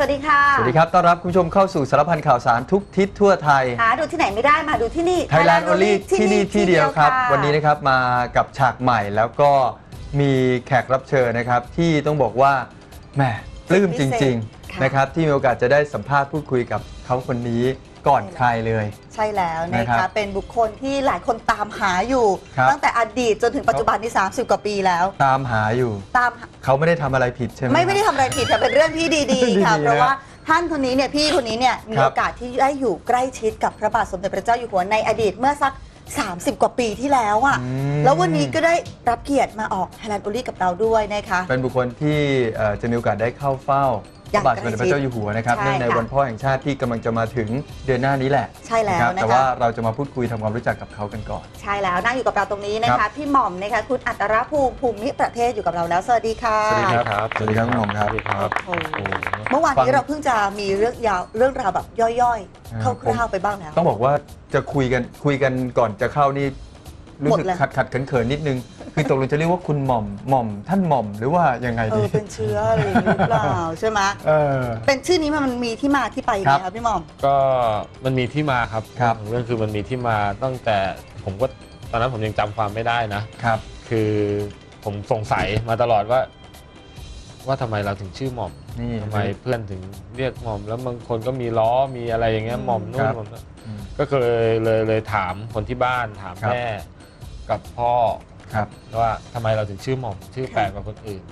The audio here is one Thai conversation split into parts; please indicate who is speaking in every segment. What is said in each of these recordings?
Speaker 1: วัสดีค่ะ
Speaker 2: สวัสดีครับต้อนรับคุณผู้ชมเข้าสู่สารพันข่าวสารทุกทิศทั่วไทย
Speaker 1: หาดูที่ไหนไม่ได้มาดูที่นี่
Speaker 2: Thailand Only ที่นี่ที่เดียวครับวันนี้นะครับมากับฉากใหม่แล้วก็มีแขกรับเชิญนะครับที่ต้องบอกว่าแหมปลื้มจริงๆนะครับที่มีโอกาสจะได้สัมภาษณ์พูดคุยกับเขาคนนี้ก่อนใครเลย
Speaker 1: ใช่แล้วนะคะเป็นบุคคลที่หลายคนตามหาอยู่ตั้งแต่อดีตจนถึงปัจจุบันนี้30 กว่าปีแล้ว
Speaker 2: ตามหาอยู่เขาไม่ได้ทำอะไรผิดใช่ไหม
Speaker 1: ไม่ได้ทำอะไรผิดแต่เป็นเรื่องที่ดีๆค่ะเพราะว่าท่านคนนี้เนี่ยพี่คนนี้เนี่ยมีโอกาสที่ได้อยู่ใกล้ชิดกับพระบาทสมเด็จพระเจ้าอยู่หัวในอดีตเมื่อสัก30 กว่าปีที่แล้วอ่ะแล้ววันนี้ก็ได้รับเกียรติมาออก Thailand Only กับเราด้วยนะคะ
Speaker 2: เป็นบุคคลที่จะมีโอกาสได้เข้าเฝ้าพระบาทสมเด็จพระเจ้าอยู่หัวนะครับเนื่องในวันพ่อแห่งชาติที่กำลังจะมาถึงเดือนหน้านี้แหละ
Speaker 1: ใช่แล้วนะคะ
Speaker 2: แต่ว่าเราจะมาพูดคุยทำความรู้จักกับเขากันก่อน
Speaker 1: ใช่แล้วนั่งอยู่กับเราตรงนี้นะคะพี่หม่อมนะคะคุณอัตรภูมิประเทศอยู่กับเราแล้วสวัสดีค่ะ
Speaker 2: สวัสดีครับสวัสดีครับคุณหม่อมครับ
Speaker 1: เมื่อวานนี้เราเพิ่งจะมีเรื่องราวแบบย่อยๆคร่าวๆไปบ้างแล้ว
Speaker 2: ต้องบอกว่าจะคุยกันก่อนจะเข้านี่รู้สึกขัดเขินนิดนึงคือตกลงจะเรียกว่าคุณหม่อมท่านหม่อมหรือว่ายังไงดี
Speaker 1: เป็นเชื้อหรือเปล่าใช่ไหมเป็นชื่อนี้มันมีที่มาที่ไปไหมครับพี่หม่อม
Speaker 3: ก็มันมีที่มาครับเรื่องคือมันมีที่มาตั้งแต่ผมก็ตอนนั้นผมยังจำความไม่ได้นะครับคือผมสงสัยมาตลอดว่าทำไมเราถึงชื่อหม่อมทำไมเพื่อนถึงเรียกหม่อมแล้วบางคนก็มีล้อมีอะไรอย่างเงี้ยหม่อมนู่นหม่อมนั่นก็เลยถามคนที่บ้านถามแม่กับพ่อว่าทำไมเราถึงชื่อหม่อมชื่อแปลกกว่าคนอื่น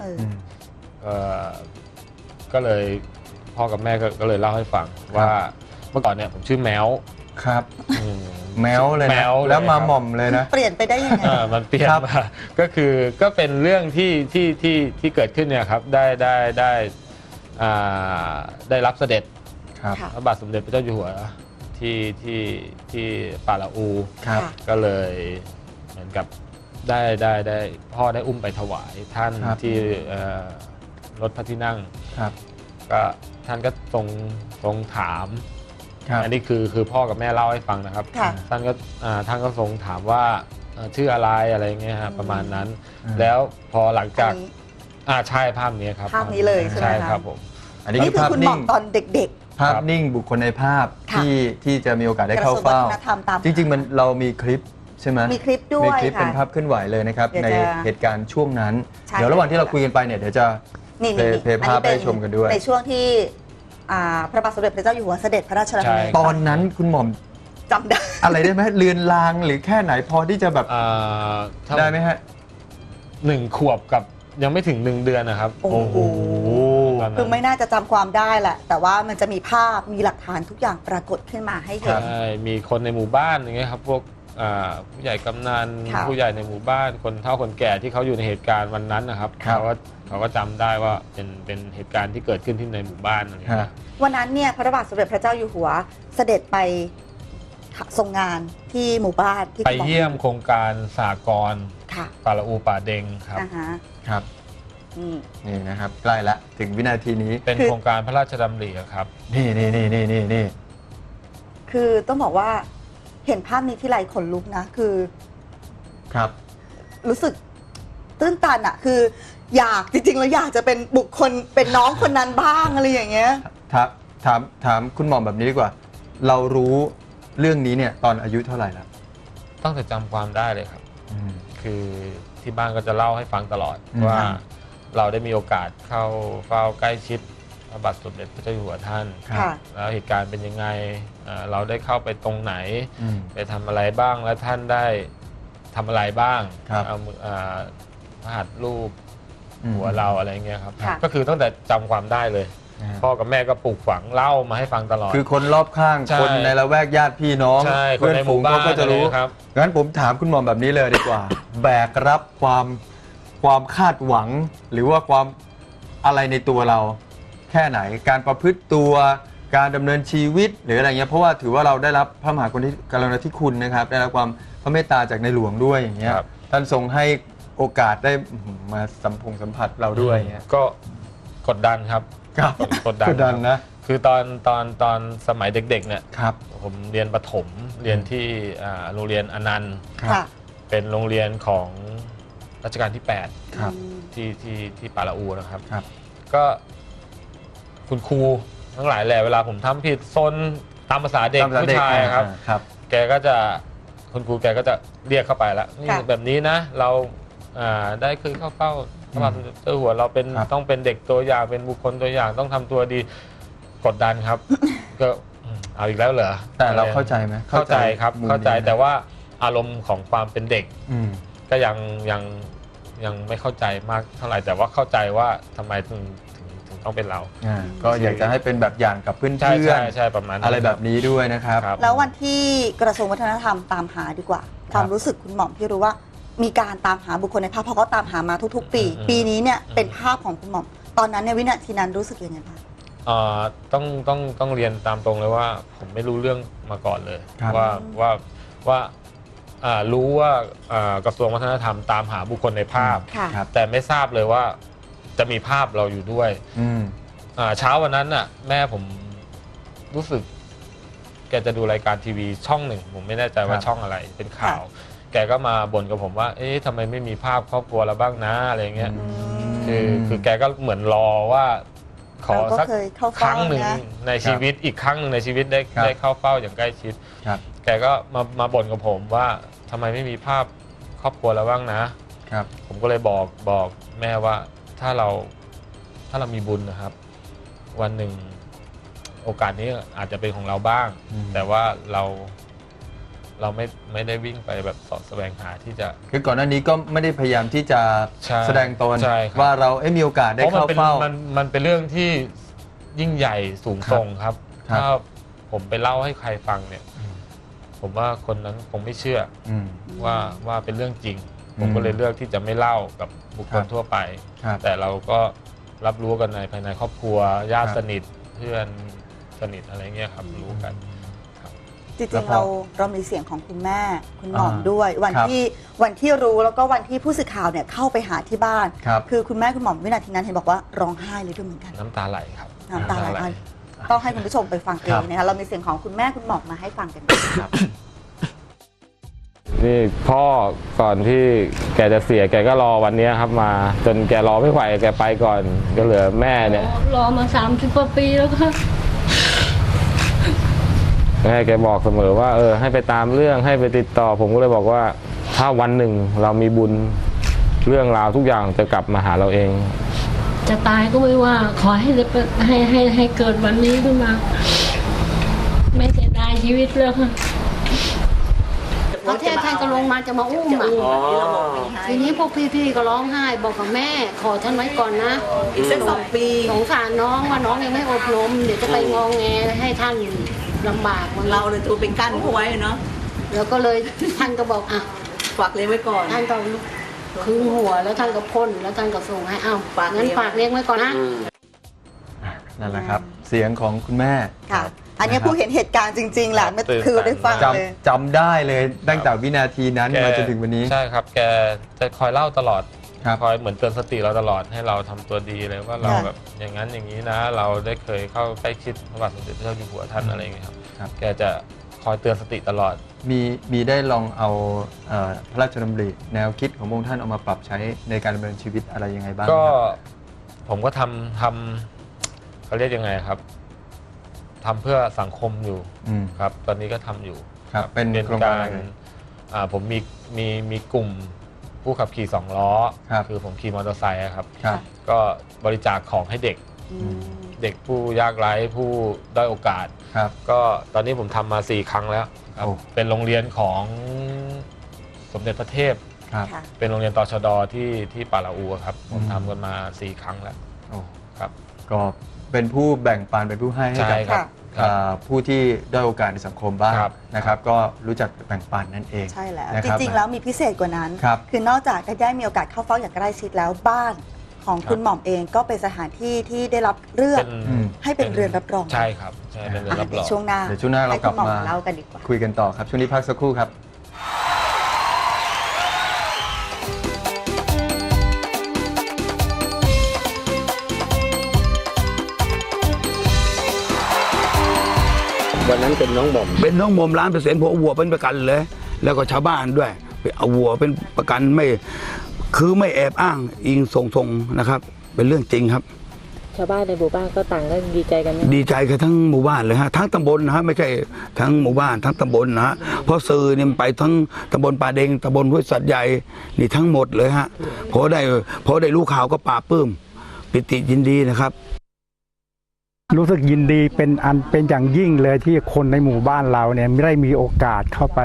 Speaker 3: ก็เลยพ่อกับแม่ก็เลยเล่าให้ฟังว่าเมื่อก่อนเนี่ยผมชื่อแมว
Speaker 2: ครับแมวเลยนะแล้วมาหม่อมเลยนะ
Speaker 1: เปลี่ยนไปได้ยังไง
Speaker 3: มันเปลี่ยนมาก็เป็นเรื่องที่เกิดขึ้นเนี่ยครับได้รับเสด็จพระบาทสมเด็จพระเจ้าอยู่หัวที่ป่าละอูก็เลยเหมือนกับได้พ่อได้อุ้มไปถวายท่านที่รถพระที่นั่งก็ท่านก็ทรงถามอันนี้คือพ่อกับแม่เล่าให้ฟังนะครับท่านก็ทรงถามว่าชื่ออะไรเงี้ยประมาณนั้นแล้วพอหลังจากใช่ภาพนี้ครับ
Speaker 1: ภาพนี้เลยใช่
Speaker 3: ครับผม
Speaker 2: อันนี้คือ
Speaker 1: คุณหม่อมตอนเด็ก
Speaker 2: ๆภาพนิ่งบุคคลในภาพที่จะมีโอกาสได้เข้าเฝ้าจริงๆมันเรามีคลิปใช่ไหม
Speaker 1: มีคลิปด้วย
Speaker 2: มีคลิปเป็นภาพเคลื่อนไหวเลยนะครับในเหตุการณ์ช่วงนั้นเดี๋ยวระหว่างที่เราคุยกันไปเนี่ยเดี๋ยวจะเพลย์ภาพให้ชมกันด้วย
Speaker 1: ในช่วงที่พระบาทสมเด็จพระเจ้าอยู่หัวเสด็จพระราชดำเนิน
Speaker 2: ตอนนั้นคุณหม่อม
Speaker 1: จำได้
Speaker 2: อะไรได้ไหมเลือนลางหรือแค่ไหนพอที่จะแบบได้ไหมฮะ
Speaker 3: 1 ขวบกับยังไม่ถึง1 เดือนนะครับ
Speaker 1: โอ้โหคือไม่น่าจะจำความได้แหละแต่ว่ามันจะมีภาพมีหลักฐานทุกอย่างปรากฏขึ้นมาให้เห็น
Speaker 3: มีคนในหมู่บ้านอย่างเงี้ยครับพวกผู้ใหญ่กำนันผู้ใหญ่ในหมู่บ้านคนเฒ่าคนแก่ที่เขาอยู่ในเหตุการณ์วันนั้นนะครับเขาก็จำได้ว่าเป็นเหตุการณ์ที่เกิดขึ้นที่ในหมู่บ้านอะไรอย่างเงี้ย
Speaker 1: วันนั้นเนี่ยพระบาทสมเด็จพระเจ้าอยู่หัวเสด็จไปทรงงานที่หมู่บ้านที่
Speaker 3: ไปเยี่ยมโครงการสหกรณ์ป่าละอูป่าเด็งครับ
Speaker 2: ครับนี่นะครับใกล้ละถึงวินาทีนี้
Speaker 3: เป็นโครงการพระราชดำริครับ
Speaker 2: นี่
Speaker 1: คือต้องบอกว่าเห็นภาพนี้ที่ไรขนลุกนะคือ
Speaker 2: ครับ
Speaker 1: รู้สึกตื้นตันอะคืออยากจริงๆแล้วอยากจะเป็นบุคคลเป็นน้องคนนั้นบ้างอะไรอย่างเงี้ย
Speaker 2: ถามคุณหม่อมแบบนี้ดีกว่าเรารู้เรื่องนี้เนี่ยตอนอายุเท่าไหร่แล้ว
Speaker 3: ตั้งแต่จำความได้เลยครับคือที่บ้านก็จะเล่าให้ฟังตลอดว่าเราได้มีโอกาสเข้าเฝ้าใกล้ชิดพระบาทสมเด็จพระเจ้าอยู่หัวท่านแล้วเหตุการณ์เป็นยังไงเราได้เข้าไปตรงไหนไปทำอะไรบ้างและท่านได้ทำอะไรบ้างเอาพระหัตถ์รูปหัวเราอะไรเงี้ยครับก็คือตั้งแต่จำความได้เลยพ่อกับแม่ก็ปลูกฝังเล่ามาให้ฟังตลอด
Speaker 2: คือคนรอบข้างคนในละแวกญาติพี่น้อง
Speaker 3: เพื่อนฝูงเขาก็จะรู้
Speaker 2: ครับงั้นผมถามคุณหม่อมแบบนี้เลยดีกว่าแบกรับความคาดหวังหรือว่าความอะไรในตัวเราแค่ไหนการประพฤติตัวการดำเนินชีวิตหรืออะไรเงี้ยเพราะว่าถือว่าเราได้รับพระมหากรุณาธิคุณนะครับได้รับความพระเมตตาจากในหลวงด้วยอย่างเงี้ยท่านทรงให้โอกาสได้มาสัมผัสเราด้วย
Speaker 3: ก็กดดันครับกดดันนะคือตอนสมัยเด็กๆเนี่ยผมเรียนประถมเรียนที่โรงเรียนอนันต์เป็นโรงเรียนของรัชกาลที่8ที่ป่าละอูนะครับก็คุณครูทั้งหลายแหละเวลาผมทำผิดซนตามภาษาเด็กผู้ชายครับ
Speaker 2: ครับ
Speaker 3: แกก็จะคุณครูแกก็จะเรียกเข้าไปแล้วนี่แบบนี้นะเราได้เคยเข้าเฝ้าพระบาทสมเด็จเจ้าอยู่หัวเราเป็นต้องเป็นเด็กตัวอย่างเป็นบุคคลตัวอย่างต้องทำตัวดีกดดันครับ ก็เอาอีกแล้วเหรอ
Speaker 2: แต่เราเข้าใจไหม
Speaker 3: เข้าใจครับเข้าใจแต่ว่าอารมณ์ของความเป็นเด็ก ก็ยังไม่เข้าใจมากเท่าไหร่แต่ว่าเข้าใจว่าทำไมถึงต้องเป็นเรา
Speaker 2: ก็อยากจะให้เป็นแบบอย่างกับเพื่อน
Speaker 3: ใช่ประมาณนั้น
Speaker 2: อะไรแบบนี้ด้วยนะครับ
Speaker 1: แล้ววันที่กระทรวงวัฒนธรรมตามหาดีกว่า ความรู้สึกคุณหม่อมที่รู้ว่ามีการตามหาบุคคลในภาพเพราะเขาตามหามาทุกๆ ปี ปีนี้เนี่ยเป็นภาพของคุณหม่อมตอนนั้นในวินาทีนั้นรู้สึกยังไงบ้าง
Speaker 3: ต้องเรียนตามตรงเลยว่าผมไม่รู้เรื่องมาก่อนเลย ว่ารู้ว่ากระทรวงวัฒนธรรมตามหาบุคคลในภาพแต่ไม่ทราบเลยว่าจะมีภาพเราอยู่ด้วยเช้าวันนั้นน่ะแม่ผมรู้สึกแกจะดูรายการทีวีช่องหนึ่งผมไม่แน่ใจว่าช่องอะไรเป็นข่าวแกก็มาบ่นกับผมว่าเอ๊ะทำไมไม่มีภาพครอบครัวเราบ้างนะอะไรเงี้ยคือแกก็เหมือนรอว่าขอสักครั้งหนึ่งในชีวิตอีกครั้งหนึ่งในชีวิตได้เข้าเฝ้าอย่างใกล้ชิดแกก็มาบ่นกับผมว่าทำไมไม่มีภาพครอบครัวเราบ้างนะผมก็เลยบอกแม่ว่าถ้าเรามีบุญนะครับวันหนึ่งโอกาสนี้อาจจะเป็นของเราบ้างแต่ว่าเราไม่ได้วิ่งไปแบบสอดแสวงหาที่จะ
Speaker 2: คือก่อนหน้านี้ก็ไม่ได้พยายามที่จะแสดงตนว่าเรามีโอกาสได้เข้าเฝ้า
Speaker 3: มันเป็นเรื่องที่ยิ่งใหญ่สูงส่งครับถ้าผมไปเล่าให้ใครฟังเนี่ยผมว่าคนนั้นคงไม่เชื่อว่าเป็นเรื่องจริงผมก็เลยเลือกที่จะไม่เล่ากับบุคคลทั่วไปแต่เราก็รับรู้กันในภายในครอบครัวญาติสนิทเพื่อนสนิทอะไรเงี้ยครับรู้กัน
Speaker 1: จริงๆเรามีเสียงของคุณแม่คุณหม่อมด้วยวันที่รู้แล้วก็วันที่ผู้สื่อข่าวเนี่ยเข้าไปหาที่บ้านคือคุณแม่คุณหม่อมวินาทีนั้นเห็นบอกว่าร้องไห้เลยด้วยเหมือนกัน
Speaker 3: น้ำตาไหลครับ
Speaker 1: น้ำตาไหลต้องให้คุณผู้ชมไปฟังเองนะคะเรามีเสียงของคุณแม่คุณหม่อมมาให้ฟังกันครับ
Speaker 3: นี่พ่อก่อนที่แกจะเสียแกก็รอวันนี้ครับมาจนแกรอไม่ไหวแกไปก่อนก็เหลือแม่เนี่ย
Speaker 4: รอมา30 กว่าปีแล้วค่ะ
Speaker 3: แม่แกบอกเสมอว่าให้ไปตามเรื่องให้ไปติดต่อผมก็เลยบอกว่าถ้าวันหนึ่งเรามีบุญเรื่องราวทุกอย่างจะกลับมาหาเราเอง
Speaker 4: จะตายก็ไม่ว่าขอให้เกิดวันนี้ขึ้นมาไม่เสียดายชีวิตเลยค่ะพระเทพท่านก็ลงมาจะมาอุ้มทีนี้พวกพี่ๆก็ร้องไห้บอกกับแม่ขอท่านไว้ก่อนนะ
Speaker 1: อีกสัก2 ปี
Speaker 4: สงสารน้องว่าน้องยังไม่อบรมเดี๋ยวจะไปงองแงให้ท่านลำบาก
Speaker 1: เราเลยตัวเป็นกั้นเขาไว้เนาะ
Speaker 4: แล้วก็เลยท่านก็บอกอ่ะ
Speaker 1: ฝากเลี้ยงไว้ก่อน
Speaker 4: ท่านก็คึงหัวแล้วท่านก็พ่นแล้วท่านก็ส่งให้งั้นฝากเลี้ยงไว้ก่อนนะ
Speaker 2: นั่นแหละครับเสียงของคุณแม่
Speaker 1: ค่ะอันนี้ผู้เห็นเหตุการณ์จริงๆแหละคือได้ฟังเลย
Speaker 2: จำได้เลยตั้งแต่วินาทีนั้นมาจนถึงวันนี้
Speaker 3: ใช่ครับแกจะคอยเล่าตลอดคอยเหมือนเตือนสติเราตลอดให้เราทำตัวดีเลยว่าเราแบบอย่างนั้นอย่างนี้นะเราได้เคยเข้าใกล้ชิดพระบาทสมเด็จพระเจ้าอยู่หัวท่านอะไรอย่างเงี้ยครับแกจะคอยเตือนสติตลอด
Speaker 2: มีได้ลองเอาพระราชดำริแนวคิดของพระองค์ท่านเอามาปรับใช้ในการดำเนินชีวิตอะไรยังไงบ้าง
Speaker 3: ก็ผมก็ทำเขาเรียกยังไงครับทำเพื่อสังคมอยู่ครับตอนนี้ก็ทำอยู่
Speaker 2: ครับเป็นโครงการ
Speaker 3: ผมมีกลุ่มผู้ขับขี่2 ล้อคือผมขี่มอเตอร์ไซค์ครับก็บริจาคของให้เด็กผู้ยากไร้ผู้ด้อยโอกาสก็ตอนนี้ผมทำมา4 ครั้งแล้วเป็นโรงเรียนของสมเด็จพระเทพเป็นโรงเรียนตชด.ที่ป่าละอูครับผมทำกันมา4 ครั้งแล้วครับ
Speaker 2: ก็เป็นผู้แบ่งปันเป็นผู้ให้กับผู้ที่ได้โอกาสในสังคมบ้างนะครับก็รู้จักแบ่งปันนั่นเอง
Speaker 1: ใช่แล้วจริงๆแล้วมีพิเศษกว่านั้นคือนอกจากได้มีโอกาสเข้าเฝ้าอย่างใกล้ชิดแล้วบ้านของคุณหม่อมเองก็เป็นสถานที่ที่ได้รับเลือกให้เป็นเรือนรับรอง
Speaker 3: ใช่ครับใช่เป็นเรือนรับรอง
Speaker 1: ช่วงหน้า
Speaker 2: เรากลับมา
Speaker 1: เล่ากันดีกว่า
Speaker 2: คุยกันต่อครับช่วงนี้พักสักครู่ครับ
Speaker 5: วันนั้นเป็นน้องหม่อม100%ผมเอาวัวเป็นประกันเลยแล้วก็ชาวบ้านด้วยเอาวัวเป็นประกันไม่แอบอ้างอิงทรงนะครับเป็นเรื่องจริงครับ
Speaker 6: ชาวบ้านในหมู่บ้านก็ต่างก็ดีใจกันไหม
Speaker 5: ดีใจกันทั้งหมู่บ้านเลยฮะทั้งตำบลนะฮะไม่ใช่ทั้งหมู่บ้านทั้งตำบลนะฮะเพราะสื่อเนี่ยมันไปทั้งตำบลป่าเด็งตำบลห้วยสัตว์ใหญ่นี่ทั้งหมดเลยฮะพอได้รู้ข่าวก็ปลาปลื้มปิติยินดีนะครับ
Speaker 7: รู้สึกยินดีเป็นอย่างยิ่งเลยที่คนในหมู่บ้านเราเนี่ยไม่ได้มีโอกาสเข้าไป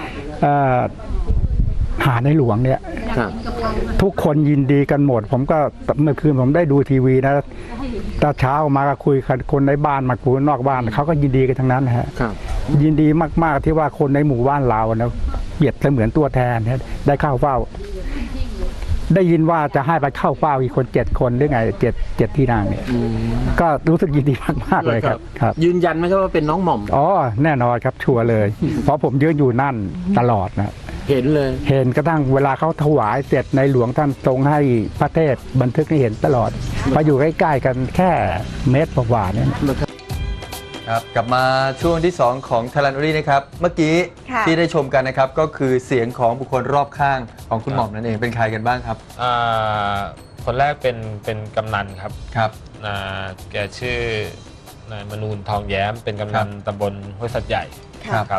Speaker 7: หาในหลวงเนี่ยทุกคนยินดีกันหมดผมก็เมื่อคืนผมได้ดูทีวีนะตอนเช้ามาก็คุยกับคนในบ้านมาคุยนอกบ้านเขาก็ยินดีกันทั้งนั้นฮะยินดีมากๆที่ว่าคนในหมู่บ้านเรานะเปรียบเสมือนตัวแทนได้เข้าเฝ้าได้ยินว่าจะให้ไปเข้าเฝ้าอีกคน7 คนหรือไงเจ็ดที่นั่งเนี่ยก็รู้สึกยินดีมากๆเลยครับ
Speaker 8: ยืนยันไหมครับว่าเป็นน้องหม่อม
Speaker 7: อ๋อแน่นอนครับชัวร์เลย เพราะผมยืนอยู่นั่นตลอดนะ
Speaker 8: เห็นเลย
Speaker 7: เห็นกระทั่งเวลาเขาถวายเสร็จในหลวงท่านทรงให้พระเทศบันทึกให้เห็นตลอดมาอยู่ใกล้ๆกันแค่เมตรกว่าเนี่ย
Speaker 2: ครับกลับมาช่วงที่ 2 ของ Thailand Only นะครับเมื่อกี้ที่ได้ชมกันนะครับก็คือเสียงของบุคคลรอบข้างของคุณหม่อมนั่นเองเป็นใครกันบ้างครับ
Speaker 3: คนแรกเป็นกำนันครับ
Speaker 2: ครับ
Speaker 3: แกชื่อนายมนูนทองแย้มเป็นกำนันตำบลห้วยสัตว์ใหญ่ครับ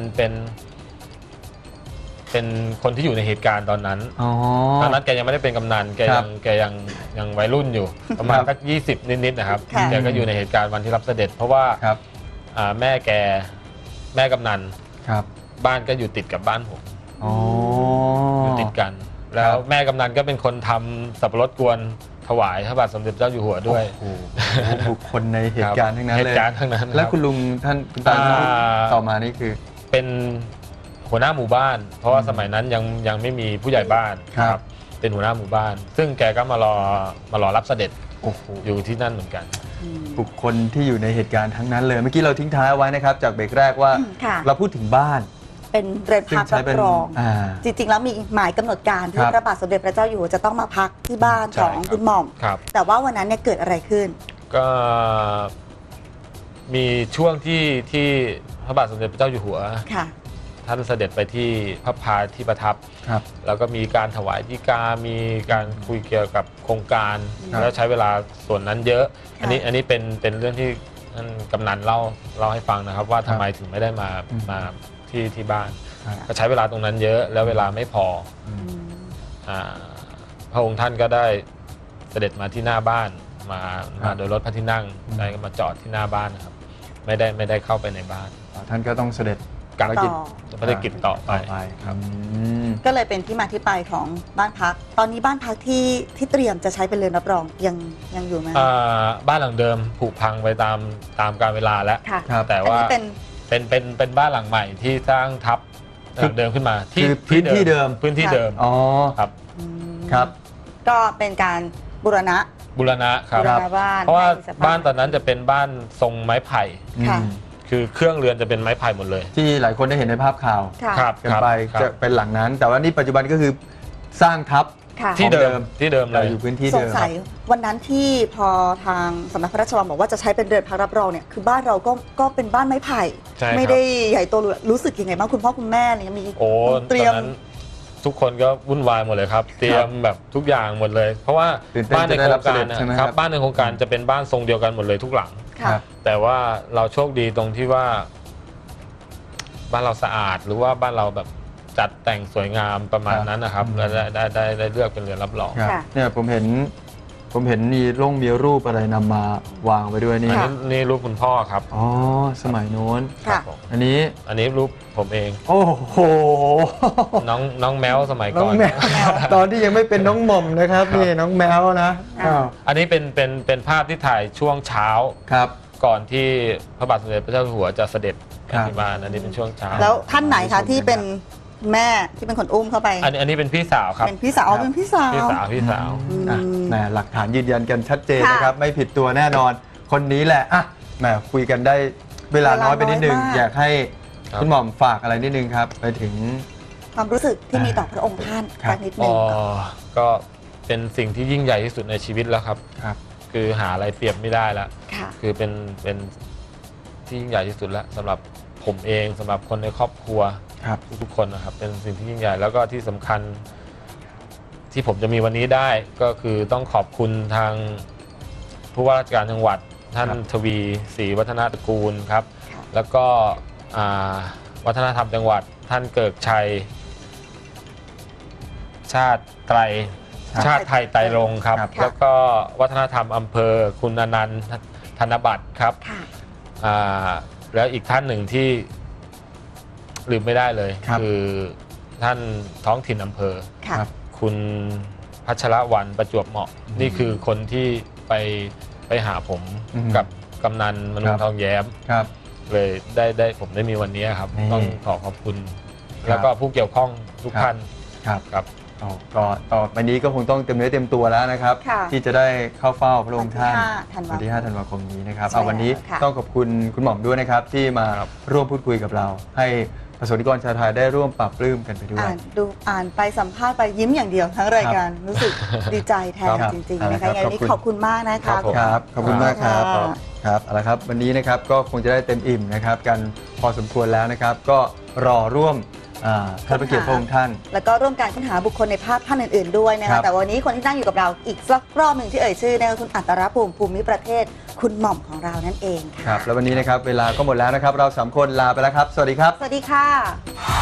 Speaker 3: เป็นคนที่อยู่ในเหตุการณ์ตอนนั้นตอนนั้นแกยังไม่ได้เป็นกำนันแกยังวัยรุ่นอยู่ประมาณสัก20 นิดๆนะครับแกก็อยู่ในเหตุการณ์วันที่รับเสด็จเพราะว่าแม่กำนันบ้านก็อยู่ติดกับบ้านผมอยู่ติดกันแล้วแม่กำนันก็เป็นคนทำสับปะรดกวนถวายพระบาทสมเด็จเจ้าอยู่หัวด้วย
Speaker 2: บุคคลในเหตุการณ์ทั้งนั้นเลยแล้วคุณลุงท่านคุณตาต่อมานี่คือ
Speaker 3: เป็นหัวหน้าหมู่บ้านเพราะว่าสมัยนั้นยังไม่มีผู้ใหญ่บ้านครับเป็นหัวหน้าหมู่บ้านซึ่งแกก็มารอรับเสด็จอยู่ที่นั่นเหมือนกัน
Speaker 2: บุคคลที่อยู่ในเหตุการณ์ทั้งนั้นเลยเมื่อกี้เราทิ้งท้ายไว้นะครับจากเบรกแรกว่าเราพูดถึงบ้าน
Speaker 1: เป็นเรือนพักรับรองจริงๆแล้วมีหมายกำหนดการที่พระบาทสมเด็จพระเจ้าอยู่หัวจะต้องมาพักที่บ้านของคุณหม่อมแต่ว่าวันนั้นเนี่ยเกิดอะไรขึ้น
Speaker 3: ก็มีช่วงที่พระบาทสมเด็จพระเจ้าอยู่หัวท่านเสด็จไปที่พระพาที่ประทับแล้วก็มีการถวายฎีกามีการคุยเกี่ยวกับโครงการแล้วใช้เวลาส่วนนั้นเยอะอันนี้เป็นเรื่องที่ท่านกำนันเล่าให้ฟังนะครับว่าทำไมถึงไม่ได้มาที่บ้านก็ใช้เวลาตรงนั้นเยอะแล้วเวลาไม่พอพระองค์ท่านก็ได้เสด็จมาที่หน้าบ้านมาโดยรถพระที่นั่งได้มาจอดที่หน้าบ้านนะครับไม่ได้เข้าไปในบ้าน
Speaker 2: ท่านก็ต้องเสด็จ
Speaker 3: ภารกิจต่อไปครับ
Speaker 1: ก็เลยเป็นที่มาที่ไปของบ้านพักตอนนี้บ้านพักที่เตรียมจะใช้เป็นเรือนรับรองยังอยู่ไหม
Speaker 3: บ้านหลังเดิมผุพังไปตามกาลเวลาแล้วแต่ว่าเป็นบ้านหลังใหม่ที่สร้างทับหลังเดิมขึ้นมา
Speaker 2: ที่พื้นที่เดิม
Speaker 3: อ๋อ
Speaker 2: ครับ
Speaker 1: ก็เป็นการบูรณะ
Speaker 3: ครับเพราะว่าบ้านตอนนั้นจะเป็นบ้านทรงไม้ไผ่คือเครื่องเรือนจะเป็นไม้ไผ่หมดเลย
Speaker 2: ที่หลายคนได้เห็นในภาพข่าวกันไปจะเป็นหลังนั้นแต่ว่านี่ปัจจุบันก็คือสร้างทับ
Speaker 3: ที่เดิมเลย
Speaker 2: อยู่พื้นที่เดิม
Speaker 1: สงสัยวันนั้นที่พอทางสำนักพระราชวังบอกว่าจะใช้เป็นเรือนพักรับรองเนี่ยคือบ้านเราก็เป็นบ้านไม้ไผ่ไม่ได้ใหญ่โตรู้สึกยังไงบ้างคุณพ่อคุณแม่อะไรมี
Speaker 3: เตรียมทุกคนก็วุ่นวายหมดเลยครับเตรียมแบบทุกอย่างหมดเลยเพราะว่าบ้านในโครงการนะครับบ้านในโครงการจะเป็นบ้านทรงเดียวกันหมดเลยทุกหลังแต่ว่าเราโชคดีตรงที่ว่าบ้านเราสะอาดหรือว่าบ้านเราแบบจัดแต่งสวยงามประมาณนั้นนะครับและได้เลือกเป็นเรือนรับรอง
Speaker 2: เนี่ยผมเห็นมีรูปอะไรนำมาวางไว้ด้วย
Speaker 3: นี่รูปคุณพ่อครับ
Speaker 2: อ๋อสมัยโน้นอันนี้
Speaker 3: รูปผมเอง
Speaker 2: โอ้โห
Speaker 3: น้องแมวสมัยก่อน
Speaker 2: ตอนที่ยังไม่เป็นน้องหม่อมนะครับนี่น้องแมวนะ
Speaker 3: อันนี้เป็นภาพที่ถ่ายช่วงเช้าก่อนที่พระบาทสมเด็จพระเจ้าอยู่หัวจะเสด็จที่บ้านอันนี้เป็นช่วงเช้า
Speaker 1: แล้วท่านไหนคะที่เป็นแม่ที่เป็นคนอุ้มเข้าไป
Speaker 3: อันนี้เป็นพี่สาวครับ
Speaker 1: เป็นพี่สาว
Speaker 2: หลักฐานยืนยันกันชัดเจนนะครับไม่ผิดตัวแน่นอนคนนี้แหละอ่ะแหมคุยกันได้เวลาน้อยไปนิดนึงอยากให้คุณหม่อมฝากอะไรนิดนึงครับไปถึง
Speaker 1: ความรู้สึกที่มีต่อพระองค์ท่านสักนิดนึง
Speaker 3: ก็เป็นสิ่งที่ยิ่งใหญ่ที่สุดในชีวิตแล้วครับคือหาอะไรเปรียบไม่ได้แล้วคือเป็นที่ยิ่งใหญ่ที่สุดแล้วสำหรับผมเองสำหรับคนในครอบครัวทุกคนนะครับเป็นสิ่งที่ยิ่งใหญ่แล้วก็ที่สำคัญที่ผมจะมีวันนี้ได้ก็คือต้องขอบคุณทางผู้ว่าราชการจังหวัดท่านทวีศรีวัฒนาตระกูลครับ แล้วก็วัฒนธรรมจังหวัดท่านเกิกชัย ชาติไตรไตรรงค์ครับ แล้วก็วัฒนธรรมอำเภอคุณอนันต์ธนบัตรครับแล้วอีกท่านหนึ่งที่ลืมไม่ได้เลยคือท่านท้องถิ่นอำเภอคุณพัชรวรรณประจวบเหมาะนี่คือคนที่ไปหาผมกับกำนันมนูทองแย้มเลยได้ผมได้มีวันนี้ครับต้องขอขอบคุณแล้วก็ผู้เกี่ยวข้องทุกท่านครับ
Speaker 2: ก็ต่อไปนี้ก็คงต้องเต็มเนื้อเต็มตัวแล้วนะครับที่จะได้เข้าเฝ้าพระองค์ท่านวันที่ 5 ธันวาคมนี้นะครับวันนี้ต้องขอบคุณคุณหม่อมด้วยนะครับที่มาร่วมพูดคุยกับเราให้ประสบนิกรชาวไทยได้ร่วมปรับปลื้มกันไปด้วย
Speaker 1: อ่านไปสัมภาษณ์ไปยิ้มอย่างเดียวทั้งรายการรู้สึกดีใจแทนจริงๆนะคะอย่างนี้ขอบคุณมากนะคะ
Speaker 2: ครับขอบคุณมากครับครับเอาละครับวันนี้นะครับก็คงจะได้เต็มอิ่มนะครับกันพอสมควรแล้วนะครับก็รอร่วมท่านพระเกียรติพระองค์ท่าน
Speaker 1: แล้วก็ร่วมการค้นหาบุคคลในภาพท่านอื่นๆด้วยนะคะแต่วันนี้คนที่นั่งอยู่กับเราอีกสักรอบหนึ่งที่เอ่ยชื่อนะคะคุณอัตรภูมิประเทศคุณหม่อมของเรานั่นเองค่ะ
Speaker 2: ครับแล้ววันนี้นะครับเวลาก็หมดแล้วนะครับเรา3 คนลาไปแล้วครับสวัสดีครับ
Speaker 1: สวัสดีค่ะ